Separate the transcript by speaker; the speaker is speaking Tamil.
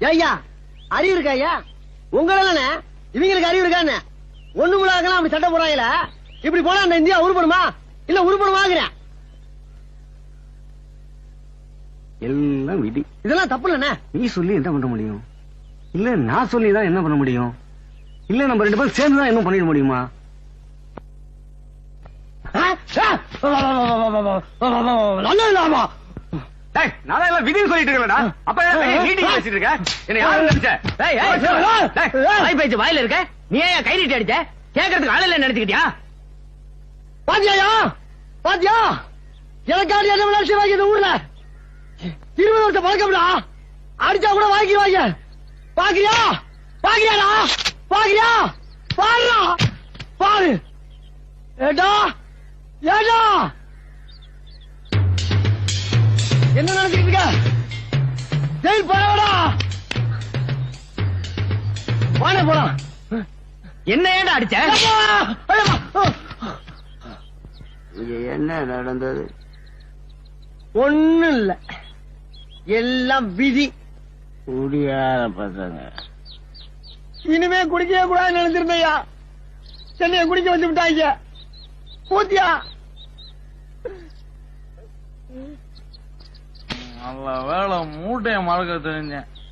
Speaker 1: ஐயா அறிவு இருக்கா ஐயா? உங்களே இவங்களுக்கு அறிவு இருக்கான்னு ஒண்ணு முழாக்கலாம் அப்படி சட்டை போறாங்கள. இப்படி போனா அந்த இந்தியா உருப்படுமா இல்ல உருப்படுமாங்கிறேன்.
Speaker 2: எல்லாம் விதி.
Speaker 1: இதெல்லாம் தப்பு இல்லண்ணே.
Speaker 2: நீ சொல்லி என்ன பண்ண முடியும்? இல்ல நான் சொல்லிதான் என்ன பண்ண முடியும்? இல்ல நம்ம 2 பேரும் சேர்ந்துதான் என்ன பண்ணிட முடியுமா? நான் விதின்னு சொல்லிட்டு இருக்கலடா. அப்ப மீட்டிங் பேசிட்டு இருக்க. என்ன யாரு நினைச்ச?
Speaker 3: பேச்சு வாயில இருக்க. நீ ஏன் கை நீட்டி அடிச்ச? கேட்கறதுக்கு ஆள் இல்ல நினைச்சுக்கிட்டியா?
Speaker 1: பாத்தியா பாத்தியா எனக்காண்டி என்ன விளையாட்டு வாங்கி இந்த ஊர்ல 20 வருஷம் பழக்கம்டா. அடிச்சா கூட வாங்கிடுவாங்க. பாக்குறியா பாக்குறியாடா பாக்குறியா பாருடா பாரு. ஏடா ஏடா என்ன நினைச்சுக்கிட்டு இருக்க? ஜெயில் போறவடா. வாங்க போலாம்.
Speaker 3: என்ன ஏண்டா அடிச்ச?
Speaker 2: என்ன நடந்தது?
Speaker 1: ஒண்ணு இல்ல, எல்லாம் விதி.
Speaker 2: குடியார பசங்க.
Speaker 1: இனிமே குடிக்கவே கூடாதுன்னு நினைச்சிருந்தையா, சென்னைய குடிக்க வச்சு விட்டாங்க. பூத்தியா
Speaker 4: நல்ல வேலை மூட்டைய மறக்க தெரிஞ்சேன்.